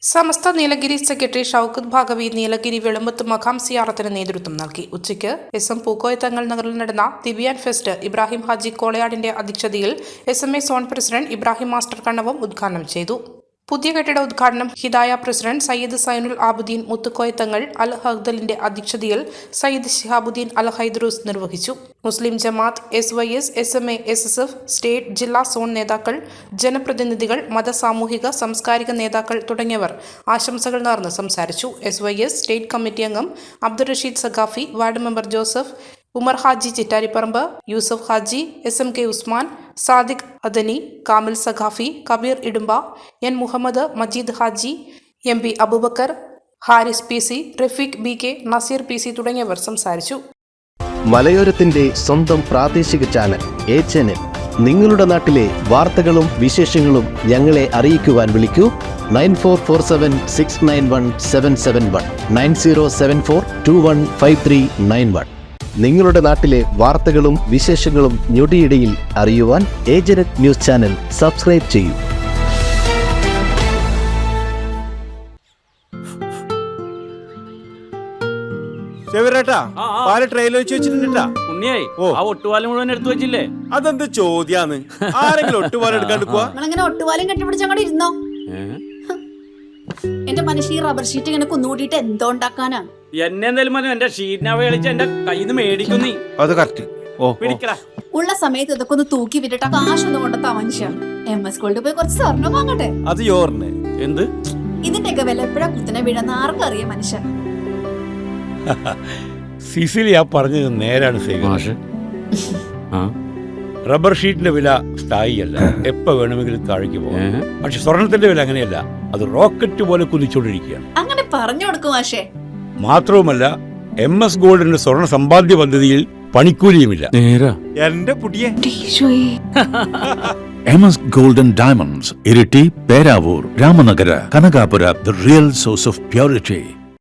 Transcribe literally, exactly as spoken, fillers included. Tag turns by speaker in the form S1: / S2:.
S1: സമസ്ത Nilgiri secretary Shoukath Bhagavi Nilgiri Velumbath മഖാം സിയാറത്തിന് നേതൃത്വം നൽകി. ഉച്ചയ്ക്ക് എസ് എം പൂക്കോയ തങ്ങൾ നഗറിൽ നടന്ന തിബിയാൻ ഫെസ്റ്റ് ഇബ്രാഹിം ഹാജി കോളയാടിന്റെ അധ്യക്ഷതയിൽ S M A zone president Ibrahim master കണ്ണവും ഉദ്ഘാടനം ചെയ്തു. പുതിയ കെട്ടിട ഉദ്ഘാടനം ഹിദായ പ്രസിഡന്റ് സയ്യിദ് സൈനുൽ ആബുദ്ദീൻ മുത്തുക്കോയ തങ്ങൾ അൽ ഹഖ്ദലിന്റെ അധ്യക്ഷതയിൽ സയ്യിദ് ശിഹാബുദ്ദീൻ അൽ ഹൈദ്രൂസ് നിർവഹിച്ചു. Muslim Jamaath, S Y S, S M A, S S F, state, ജില്ലാ, സോൺ നേതാക്കൾ, ജനപ്രതിനിധികൾ, മത, സാമൂഹിക, സാംസ്കാരിക നേതാക്കൾ തുടങ്ങിയവർ ആശംസകൾ നേർന്ന് സംസാരിച്ചു. S Y S state committee അംഗം അബ്ദുൾ റഷീദ് സഖാഫി, വാർഡ് മെമ്പർ ജോസഫ്, ഉമർ ഹാജി ചിറ്റാരിപ്പറമ്പ്, യൂസഫ് ഹാജി, എസ് എം കെ ഉസ്മാൻ, സാദിഖ് അദനി, കാമിൽ സഖാഫി, കബീർ ഇടുമ്പ, എൻ മുഹമ്മദ്, മജീദ് ഹാജി, എം പി അബൂബക്കർ, ഹാരിസ് പി സി, റഫീഖ് ബി കെ, നസീർ പി സി തുടങ്ങിയവർ സംസാരിച്ചു.
S2: മലയോരത്തിന്റെ സ്വന്തം പ്രാദേശിക ചാനൽ എച്ച് എൻ എൻ. നിങ്ങളുടെ നാട്ടിലെ വാർത്തകളും വിശേഷങ്ങളും ഞങ്ങളെ അറിയിക്കുവാൻ വിളിക്കൂ nine four four seven six nine one seven seven one nine zero seven four two one five three nine one. നിങ്ങളുടെ നാട്ടിലെ വാർത്തകളും വിശേഷങ്ങളും ഞൊടിയിടയിൽ അറിയുവാൻ ഏജനറ്റ് ന്യൂസ് ചാനൽ സബ്സ്ക്രൈബ് ചെയ്യൂ.
S3: അതെന്ത് ചോദ്യാന്ന്? ആരെങ്കിലും ഒട്ടുപാലം എടുക്കാണ്ട് പോവാ?
S4: ഒട്ടുപാലം കെട്ടിപ്പിടിച്ചങ്ങോട്ട് ഇരുന്നോ? എന്റെ മനുഷ്യ ഈ റബ്ബർ ഷീറ്റ് ഇങ്ങനെ കുന്നുകൂട്ടിട്ട് എന്തോ ഉണ്ടാക്കാനാ?
S5: എന്നെ എന്തായാലും മതി, എന്റെ ഷീറ്റിനെ കളിച്ച് എന്റെ കയ്യിൽ നിന്ന് മേടിക്കുന്നീ.
S3: അത് കറക്റ്റ്.
S4: ഉള്ള സമയത്ത് ഇതൊക്കെ ഒന്ന് തൂക്കി വിട്ടിട്ട് കാശൊന്നും കൊണ്ടെത്താ മനുഷ്യ. എം എസ് ഗോൾഡ് പോയി കുറച്ച് സ്വർണ്ണം വാങ്ങട്ടെ.
S3: അത് യോറിന്
S5: എന്ത്
S4: ഇതിന്റെയൊക്കെ വില എപ്പോഴാ കുത്തിനെ വീഴുന്ന ആർക്കറിയാം മനുഷ്യ.
S6: സിസിലി ആ പറഞ്ഞത് നേരാണ്. റബ്ബർ ഷീറ്റിന്റെ വില സ്ഥായിയല്ല, എപ്പോ വേണമെങ്കിലും താഴേക്ക് പോകാം. പക്ഷെ സ്വർണത്തിന്റെ വില അങ്ങനെയല്ല, അത് റോക്കറ്റ് പോലെ കുതിച്ചുകൊണ്ടിരിക്കുകയാണ്.
S4: അങ്ങനെ പറഞ്ഞു കൊടുക്കും മാഷേ.
S6: മാത്രവുമല്ല, എം എസ് ഗോൾഡിന്റെ സ്വർണ്ണ സമ്പാദ്യ പദ്ധതിയിൽ പണിക്കൂലിയുമില്ല.
S3: എന്റെ പുതിയ
S7: M S golden diamonds, Iritty, Peravoor, Ramanagara, Kanakapura, the real source of purity.